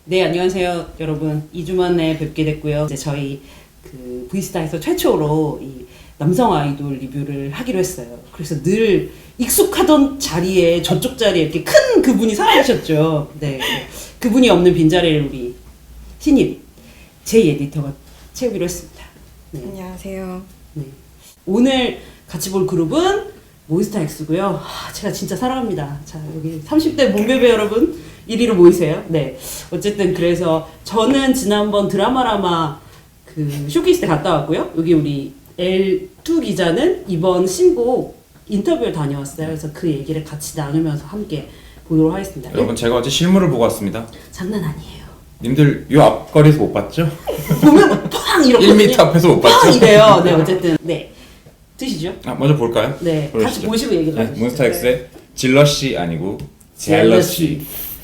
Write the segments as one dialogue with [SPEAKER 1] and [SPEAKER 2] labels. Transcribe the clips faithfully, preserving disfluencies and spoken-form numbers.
[SPEAKER 1] 네, 안녕하세요, 여러분. 이 주 만에 뵙게 됐고요. 이제 저희 그 브이스타에서 최초로 이 남성 아이돌 리뷰를 하기로 했어요. 그래서 늘 익숙하던 자리에 저쪽 자리에 이렇게 큰 그분이 사라지셨죠. 네, 그분이 없는 빈자리를 우리 신입 제이 에디터가 채우기로 했습니다. 네.
[SPEAKER 2] 안녕하세요.
[SPEAKER 1] 네. 오늘 같이 볼 그룹은 몬스타엑스고요. 아, 제가 진짜 사랑합니다. 자, 여기 삼십 대 몸베베 여러분 이리로 모이세요. 네. 어쨌든 그래서 저는 지난번 드라마라마 그 쇼케이스 때 갔다 왔고요. 여기 우리 엘 투 기자는 이번 신곡 인터뷰를 다녀왔어요. 그래서 그 얘기를 같이 나누면서 함께 보도록 하겠습니다.
[SPEAKER 3] 여러분 제가 어제 실물을 보고 왔습니다.
[SPEAKER 1] 장난 아니에요.
[SPEAKER 3] 님들 요 앞거리에서 못 봤죠?
[SPEAKER 1] 보면 팡 이렇게
[SPEAKER 3] 일 미터 앞에서 못 봤죠?
[SPEAKER 1] 팡 이래요. 네, 어쨌든 네. 드시죠.
[SPEAKER 3] 아, 먼저 볼까요?
[SPEAKER 1] 네,
[SPEAKER 3] 보여주시죠.
[SPEAKER 1] 같이 보시고 얘기
[SPEAKER 3] 네,
[SPEAKER 1] 나누시죠.
[SPEAKER 3] 몬스타엑스의 질러시 아니고 젤러시.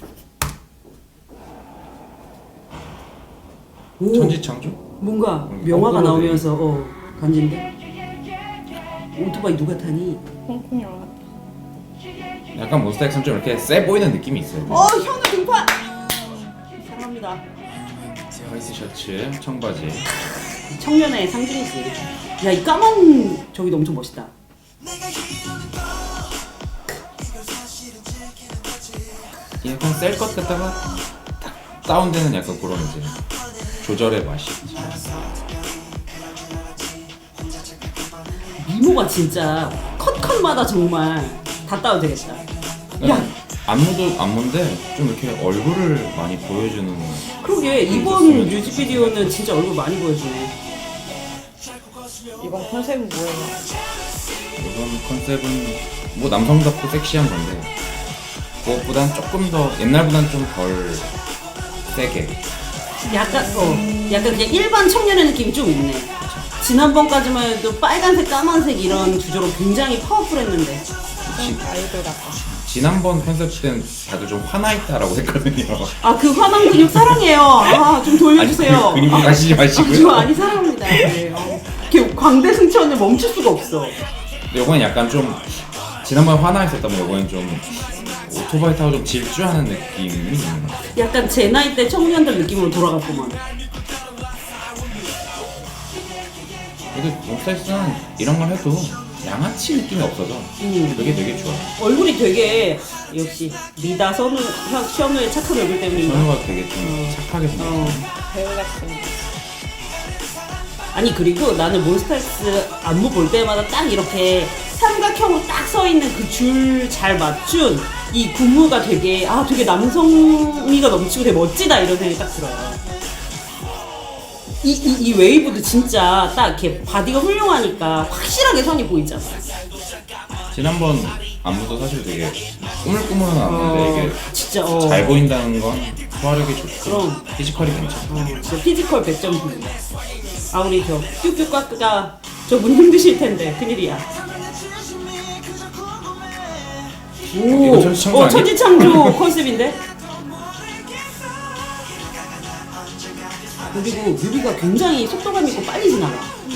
[SPEAKER 1] 오,
[SPEAKER 3] 천지창조?
[SPEAKER 1] 뭔가
[SPEAKER 3] 음,
[SPEAKER 1] 명화가
[SPEAKER 3] 거꾸로
[SPEAKER 1] 나오면서 어 간지인데 오토바이 누가 타니?
[SPEAKER 2] 홍콩 영화.
[SPEAKER 3] 약간 몬스타엑스는 좀 이렇게 세 보이는 느낌이 있어요.
[SPEAKER 1] 어 현우 등판 사랑합니다.
[SPEAKER 3] 화이트 셔츠, 청바지.
[SPEAKER 1] 청년의 상징이지. 야 이 까만 저기도 엄청 멋있다.
[SPEAKER 3] 약간 셀 것 같다가 딱 다운되는 약간 그런 이제 조절의 맛이 있죠.
[SPEAKER 1] 미모가 진짜 컷컷마다 정말 다 따도 되겠다. 야
[SPEAKER 3] 안무도 안무인데 좀 이렇게 얼굴을 많이 보여주는.
[SPEAKER 1] 그러게 이번 뮤직비디오는 진짜 얼굴 많이 보여주네.
[SPEAKER 2] 이번 컨셉은 뭐예요?
[SPEAKER 3] 이번 컨셉은 뭐 남성답고 섹시한 건데 그것보단 조금 더 옛날보단 좀 덜 세게.
[SPEAKER 1] 약간 어 약간 그냥 일반 청년의 느낌이 좀 있네. 지난번까지만 해도 빨간색, 까만색 이런 주제로 굉장히 파워풀했는데.
[SPEAKER 2] 좀 아이돌 같다.
[SPEAKER 3] 지난번 컨셉 때는 다들 좀 화나 있다라고 했거든요.
[SPEAKER 1] 아 그 화난 근육 사랑해요. 아 좀 돌려주세요.
[SPEAKER 3] 아니, 그 근육 가시지 마시고요.
[SPEAKER 1] 아, 저 아니 사랑합니다. 네. 어. 이렇게 광대 승천을 멈출 수가 없어.
[SPEAKER 3] 근데 이번엔 약간 좀 지난번 화나 있었다면 이번엔 좀 오토바이 타고 좀 질주하는 느낌이 있는 것 같아요.
[SPEAKER 1] 약간 제 나이 때 청년들 느낌으로 돌아갔구만.
[SPEAKER 3] 그래도 몬스타엑스는 이런 걸 해도 양아치 느낌이 없어서
[SPEAKER 1] 음.
[SPEAKER 3] 그게 되게 좋아요.
[SPEAKER 1] 얼굴이 되게 역시 리다 선우 현- 현우의 착한 얼굴 때문인가.
[SPEAKER 3] 선우가 되게 좀
[SPEAKER 1] 어.
[SPEAKER 3] 착하게 생겼어요.
[SPEAKER 1] 어.
[SPEAKER 2] 배우 같은.
[SPEAKER 1] 아니 그리고 나는 몬스타엑스 안무 볼 때마다 딱 이렇게 삼각형으로 딱 서 있는 그 줄 잘 맞춘 이 군무가 되게 아 되게 남성미가 넘치고 되게 멋지다 이런 생각이 딱 들어요. 이, 이, 이 웨이브도 진짜 딱 이렇게 바디가 훌륭하니까 확실하게 선이 보이잖아.
[SPEAKER 3] 지난번 안무도 사실 되게 꾸물꾸물한 안무인데
[SPEAKER 1] 어,
[SPEAKER 3] 이게
[SPEAKER 1] 진짜 어.
[SPEAKER 3] 잘 보인다는 건 소화력이 좋고
[SPEAKER 1] 그럼.
[SPEAKER 3] 피지컬이 괜찮고.
[SPEAKER 1] 어, 진짜 피지컬 백 점 분. 아 우리 저 뀨뀨까까가 저분 힘드실 텐데 큰일이야. 오,
[SPEAKER 3] 이거 천지창조
[SPEAKER 1] 어,
[SPEAKER 3] 아니야?
[SPEAKER 1] 천지창조 컨셉인데? 그리고 뮤비가 굉장히 속도감 있고 빨리 지나가.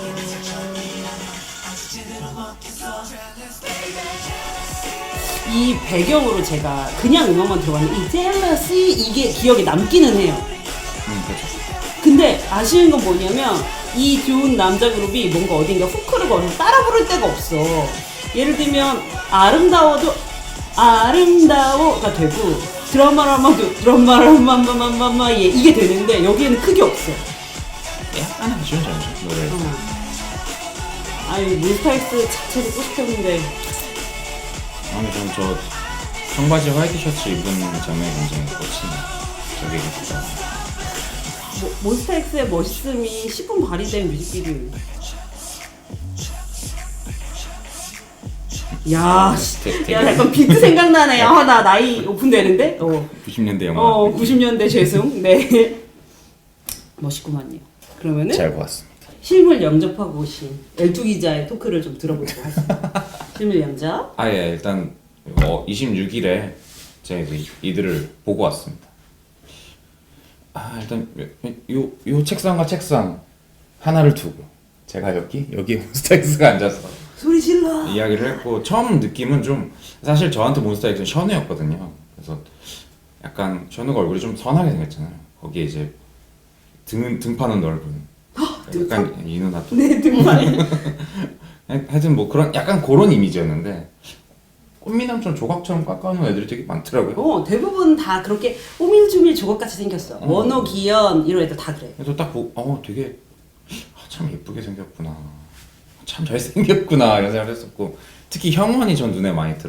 [SPEAKER 1] 이 배경으로 제가 그냥 음악만 들어봤는데 이 젤러시 이게 기억에 남기는 해요.
[SPEAKER 3] 음, 그렇죠.
[SPEAKER 1] 근데 아쉬운 건 뭐냐면 이 좋은 남자 그룹이 뭔가 어딘가 후크를 걸어서 따라 부를 데가 없어. 예를 들면 아름다워도 아름다워가 되고 드라마라마도 드라마라마마마마마 예 이게 되는데 여기에는 크게 없어.
[SPEAKER 3] 약간 아쉬운 점이죠 노래.
[SPEAKER 1] 어. 아유 몬스타엑스 자체 듣고 싶었는데
[SPEAKER 3] 아무튼 저는 저 청바지 화이트 셔츠 입은 장면이 굉장히 꽂히네. 저게 진짜.
[SPEAKER 1] 모, 몬스타엑스의 멋있음이 십분 발휘된 뮤직비디오. 야, 씨,
[SPEAKER 3] 되- 되게-
[SPEAKER 1] 야 약간 비트 생각나네. 아, 나 나이 오픈되는데? 어,
[SPEAKER 3] 구십 년대 영화.
[SPEAKER 1] 어, 구십 년대 죄송. 네. 멋있구만요. 그러면은
[SPEAKER 3] 잘 보았습니다.
[SPEAKER 1] 실물 영접하고 오신 엘투 기자의 토크를 좀 들어보도록 하겠습니다. 실물 영접.
[SPEAKER 3] 아, 예, 일단 어, 이십육 일에 제가 이제 이들을 보고 왔습니다. 아, 일단 요, 요, 요 책상과 책상 하나를 두고 제가 여기 여기에 몬스타엑스가 앉아서
[SPEAKER 1] 소리 질러.
[SPEAKER 3] 이야기를 했고 처음 느낌은 좀 사실 저한테 몬스타엑스는 션우였거든요. 그래서 약간 션우가 얼굴이 좀 선하게 생겼잖아요. 거기에 이제 등 등판은 넓은 약간 이 누나 또
[SPEAKER 1] 네, 등판.
[SPEAKER 3] 하여튼 뭐 그런 약간 그런 이미지였는데 꽃미남처럼 조각처럼 깎아놓은 애들이 되게 많더라고요.
[SPEAKER 1] 어, 대부분 다 그렇게 오밀조밀 조각같이 생겼어.
[SPEAKER 3] 어.
[SPEAKER 1] 원호, 기현 이런 애들 다 그래.
[SPEAKER 3] 그래서 딱 보고 어 되게 아, 참 예쁘게 생겼구나, 참 잘생겼구나 이런 생각을 했었고 특히 형원이 전 눈에 많이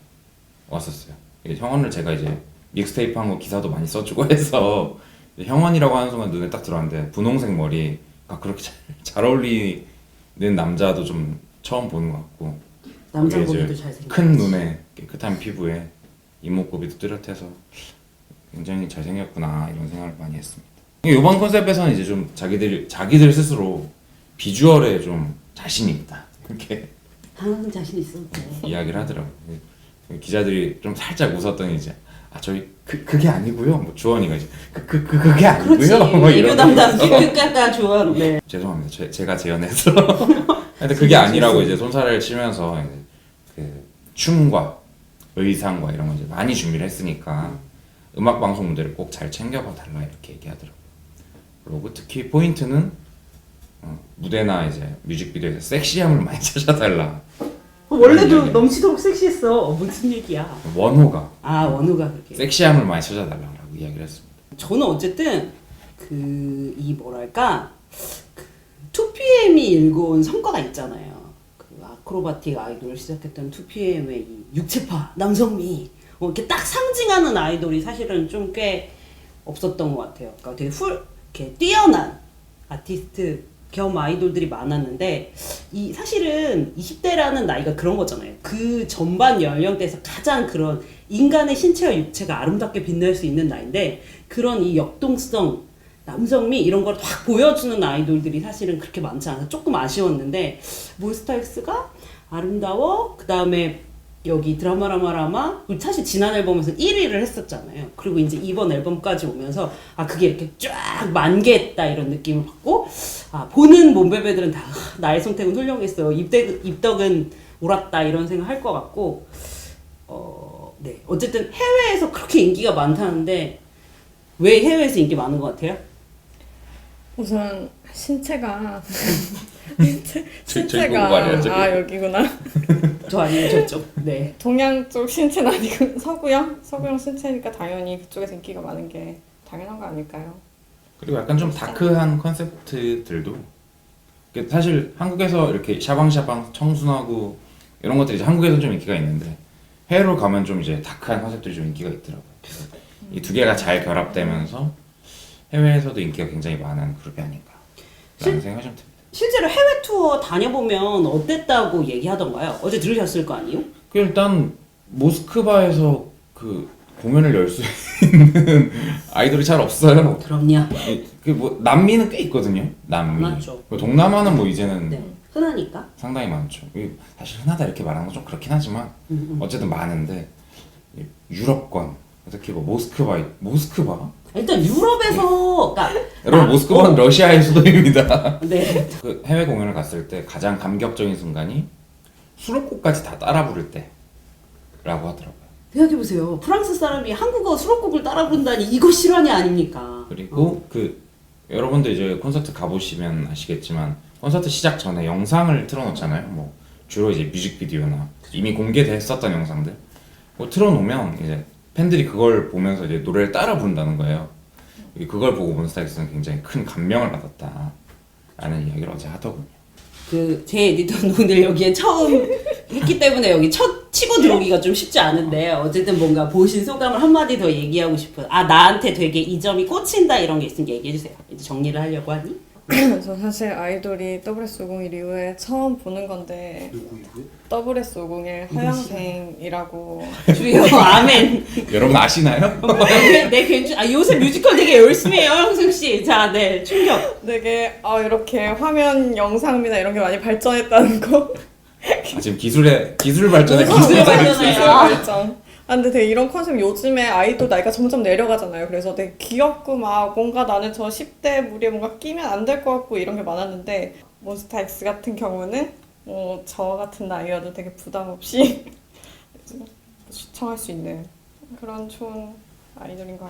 [SPEAKER 3] 들어왔었어요. 이게 형원을 제가 이제 믹스테이프 한 거 기사도 많이 써주고 해서 형원이라고 하는 순간 눈에 딱 들어왔는데 분홍색 머리가 그렇게 잘, 잘 어울리는 남자도 좀 처음 보는 것 같고
[SPEAKER 1] 남자
[SPEAKER 3] 거기에
[SPEAKER 1] 보기도
[SPEAKER 3] 이제
[SPEAKER 1] 잘생겼지.
[SPEAKER 3] 큰 눈에 깨끗한 피부에 이목구비도 뚜렷해서 굉장히 잘생겼구나 이런 생각을 많이 했습니다. 이번 컨셉에서는 이제 좀 자기들 자기들 스스로 비주얼에 좀 자신이 있다 이렇게
[SPEAKER 1] 항상 자신 있어. 네.
[SPEAKER 3] 이야기를 하더라고요. 기자들이 좀 살짝 웃었더니 이제 아 저희 그 그게 아니고요. 뭐 주원이가 이제 그 그 그, 그게 아니고요.
[SPEAKER 1] 그렇지.
[SPEAKER 3] 뭐
[SPEAKER 1] 애교
[SPEAKER 3] 이런
[SPEAKER 1] 담당 삐끗까까 좋아. 네.
[SPEAKER 3] 죄송합니다. 제, 제가 재연해서. 근데 그게 아니라고 이제 손살을 치면서 이제 그 춤과 의상과 이런 거 이제 많이 준비를 했으니까 음악 방송 무대를 꼭 잘 챙겨봐 달라 이렇게 얘기하더라고요. 그리고 특히 포인트는 어, 무대나 이제 뮤직비디오에서 섹시함을 많이 찾아달라.
[SPEAKER 1] 원래도
[SPEAKER 3] 아니,
[SPEAKER 1] 넘치도록 섹시했어. 어, 무슨 얘기야?
[SPEAKER 3] 원호가
[SPEAKER 1] 아, 원우가 그렇게.
[SPEAKER 3] 섹시함을 많이 찾아달라고 이야기를 했습니다.
[SPEAKER 1] 저는 어쨌든 그 이 뭐랄까 그 투피엠이 일궈온 성과가 있잖아요. 그 아크로바틱 아이돌 시작했던 투피엠의 이 육체파 남성미 어, 이렇게 딱 상징하는 아이돌이 사실은 좀 꽤 없었던 것 같아요. 그러니까 되게 훌 이렇게 뛰어난 아티스트 겸 아이돌들이 많았는데 이 사실은 이십 대라는 나이가 그런 거잖아요. 그 전반 연령대에서 가장 그런 인간의 신체와 육체가 아름답게 빛날 수 있는 나이인데 그런 이 역동성, 남성미 이런 걸 확 보여주는 아이돌들이 사실은 그렇게 많지 않아서 조금 아쉬웠는데 몬스타엑스가 아름다워 그 다음에 여기 드라마라마라마 사실 지난 앨범에서 일 위를 했었잖아요. 그리고 이제 이번 앨범까지 오면서 아 그게 이렇게 쫙 만개했다 이런 느낌을 받고 아 보는 몸베베들은 다 나의 선택은 훌륭했어 입덕, 입덕은 옳았다 이런 생각 할 것 같고 어, 네 어쨌든 해외에서 그렇게 인기가 많다는데 왜 해외에서 인기 많은 것 같아요?
[SPEAKER 2] 우선 신체가 신체,
[SPEAKER 3] 저- 저기
[SPEAKER 2] 신체가
[SPEAKER 3] 보고 말이야, 저기.
[SPEAKER 2] 아 여기구나.
[SPEAKER 1] 저 아니면 저쪽. 네.
[SPEAKER 2] 동양 쪽 신체는 아니고 서구형 서구형 신체니까 당연히 그쪽에서 인기가 많은 게 당연한 거 아닐까요?
[SPEAKER 3] 그리고 약간 좀 다크한 컨셉트들도 그 사실 한국에서 이렇게 샤방샤방 청순하고 이런 것들이 이제 한국에서는 좀 인기가 있는데 해외로 가면 좀 이제 다크한 컨셉들이 좀 인기가 있더라고요. 이 두 개가 잘 결합되면서 해외에서도 인기가 굉장히 많은 그룹이 아닌가 라는 생각이 좀 듭니다.
[SPEAKER 1] 실제로 해외 투어 다녀보면 어땠다고 얘기하던가요? 어제 들으셨을 거 아니에요?
[SPEAKER 3] 그 일단 모스크바에서 그 공연을 열 수 있는 아이돌이 잘 없어요.
[SPEAKER 1] 그럼요.
[SPEAKER 3] 그 뭐 남미는 꽤 있거든요. 남미.
[SPEAKER 1] 많죠.
[SPEAKER 3] 그 동남아는 뭐 이제는
[SPEAKER 1] 네. 흔하니까.
[SPEAKER 3] 상당히 많죠. 이게 사실 흔하다 이렇게 말하는 건 좀 그렇긴 하지만
[SPEAKER 1] 음, 음.
[SPEAKER 3] 어쨌든 많은데 유럽권 특히 뭐 모스크바 모스크바
[SPEAKER 1] 일단 유럽에서 그러니까
[SPEAKER 3] 여러분
[SPEAKER 1] 나-
[SPEAKER 3] 모스크바는
[SPEAKER 1] 어,
[SPEAKER 3] 러시아의 수도입니다.
[SPEAKER 1] 네.
[SPEAKER 3] 그 해외 공연을 갔을 때 가장 감격적인 순간이 수록곡까지 다 따라 부를 때라고 하더라고요.
[SPEAKER 1] 생각해보세요. 프랑스 사람이 한국어 수록곡을 따라 부른다니 이거 실화냐 아닙니까?
[SPEAKER 3] 그리고 그 여러분들 이제 콘서트 가보시면 아시겠지만 콘서트 시작 전에 영상을 틀어놓잖아요. 뭐 주로 이제 뮤직비디오나 이미 공개됐었던 영상들 뭐 틀어놓으면 이제 팬들이 그걸 보면서 이제 노래를 따라 부른다는 거예요. 그걸 보고 몬스타엑스는 굉장히 큰 감명을 받았다 라는 이야기를 어제 하더군요.
[SPEAKER 1] 그 제 에디터는 오늘 여기에 처음 했기 때문에 여기 첫 치고 들어오기가 좀 쉽지 않은데 어쨌든 뭔가 보신 소감을 한마디 더 얘기하고 싶어요. 아 나한테 되게 이 점이 꽂힌다 이런 게 있으면 얘기해주세요. 이제 정리를 하려고 하니.
[SPEAKER 2] 저 사실 아이돌이 더블에스 오공일 이후에 처음 보는 건데 더블에스 오공일 하얀생이라고
[SPEAKER 1] 주여 아멘.
[SPEAKER 3] 여러분 아시나요?
[SPEAKER 1] 네, 괜찮. 아 요새 뮤지컬 되게 열심히 해요, 형승 씨. 자, 네 충격.
[SPEAKER 2] 되게 아 이렇게 화면 영상미나 이런 게 많이 발전했다는 거.
[SPEAKER 3] 아, 지금 기술의 기술 발전에
[SPEAKER 1] 기술
[SPEAKER 3] 기술
[SPEAKER 1] 발전에
[SPEAKER 3] 발전에
[SPEAKER 2] 기술
[SPEAKER 1] 아.
[SPEAKER 2] 발전. 아 근데 되게 이런 컨셉 요즘에 아이돌 나이가 점점 내려가잖아요. 그래서 되게 귀엽고 막 뭔가 나는 저 십 대 무리에 뭔가 끼면 안 될 것 같고 이런 게 많았는데 몬스타엑스 같은 경우는 어, 저 같은 나이여도 되게 부담 없이 시청할 수 있는 그런 좋은 아이돌인 것 같아요.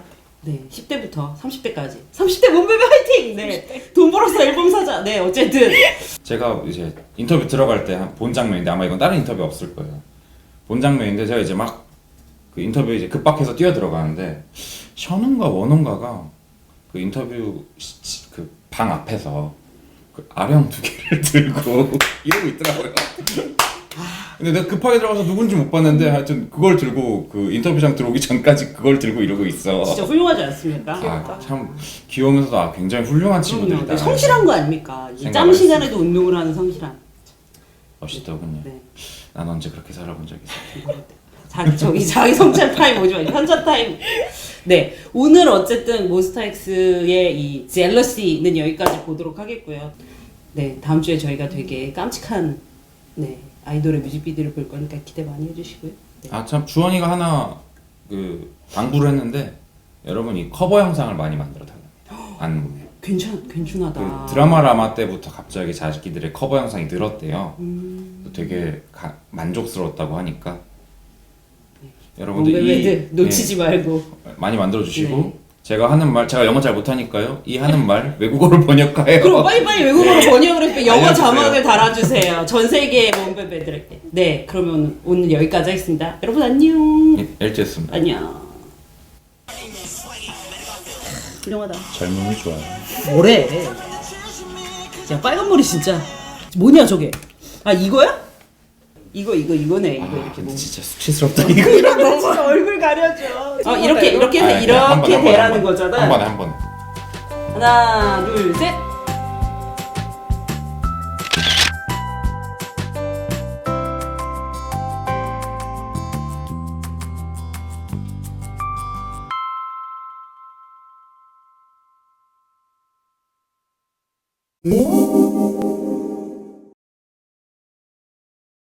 [SPEAKER 1] 네, 십 대부터 삼십 대까지. 삼십 대 몸베베 화이팅! 네. 돈 벌어서 앨범 사자. 네, 어쨌든.
[SPEAKER 3] 제가 이제 인터뷰 들어갈 때 본 장면인데 아마 이건 다른 인터뷰 없을 거예요. 본 장면인데 제가 이제 막 그 인터뷰 이제 급박해서 뛰어 들어가는데 션은가 원은가가 그 인터뷰 그 방 앞에서 그 아령 두 개를 들고 이러고 있더라고요. 근데 내가 급하게 들어가서 누군지 못 봤는데 하여튼 그걸 들고 그 인터뷰장 들어오기 전까지 그걸 들고 이러고 있어.
[SPEAKER 1] 진짜 훌륭하지 않습니까?
[SPEAKER 3] 아, 참 귀여우면서도 아, 굉장히 훌륭한 친구들이다.
[SPEAKER 1] 그럼요. 성실한 거 아닙니까? 이 짬
[SPEAKER 3] 생각을
[SPEAKER 1] 시간에도 운동을 하는 성실한.
[SPEAKER 3] 멋있더군요.
[SPEAKER 1] 네.
[SPEAKER 3] 난 언제 그렇게 살아본 적이 있어.
[SPEAKER 1] 자기 저기 자기 성찰 타임 오지 마. 현자 타임. 네, 오늘 어쨌든 몬스타엑스의 이 젤러시는 여기까지 보도록 하겠고요. 네, 다음 주에 저희가 되게 깜찍한 네 아이돌의 뮤직비디오를 볼 거니까 기대 많이 해주시고요. 네.
[SPEAKER 3] 아 참 주원이가 하나 그 당부를 했는데 여러분 이 커버 영상을 많이 만들어 달라. 안무에.
[SPEAKER 1] 괜찮 괜찮하다.
[SPEAKER 3] 그 드라마 라마 때부터 갑자기 자기들의 커버 영상이 늘었대요.
[SPEAKER 1] 음.
[SPEAKER 3] 되게 가, 만족스러웠다고 하니까 여러분들
[SPEAKER 1] 몽벨베드 놓치지
[SPEAKER 3] 예,
[SPEAKER 1] 말고
[SPEAKER 3] 많이 만들어 주시고
[SPEAKER 1] 네.
[SPEAKER 3] 제가 하는 말 제가 영어 잘 못하니까요. 이 하는 말 외국어로 번역하여.
[SPEAKER 1] 그럼 빨리빨리 외국어로
[SPEAKER 3] 네.
[SPEAKER 1] 번역을 해서 영어
[SPEAKER 3] 알려주세요.
[SPEAKER 1] 자막을 달아주세요. 전 세계 몽벨베드에게. 네, 그러면 오늘 여기까지 하겠습니다. 여러분 안녕.
[SPEAKER 3] 예, 엘지였습니다.
[SPEAKER 1] 안녕. 훌륭하다.
[SPEAKER 3] 젊음이 좋아요.
[SPEAKER 1] 뭐래? 야 빨간 머리 진짜 뭐냐 저게? 아 이거야? 이거 이거 이거네 이거
[SPEAKER 3] 아,
[SPEAKER 1] 이렇게
[SPEAKER 3] 근데
[SPEAKER 1] 뭐.
[SPEAKER 3] 진짜 수치스럽다 이거.
[SPEAKER 1] 이러면 진짜 얼굴 가려져. 어 이렇게 이렇게 해서
[SPEAKER 3] 아, 그냥 한
[SPEAKER 1] 이렇게
[SPEAKER 3] 번에, 한 번에,
[SPEAKER 1] 되라는
[SPEAKER 3] 한 번에.
[SPEAKER 1] 거잖아.
[SPEAKER 3] 한 번에 한 번에.
[SPEAKER 1] 하나 둘 셋.
[SPEAKER 4] 오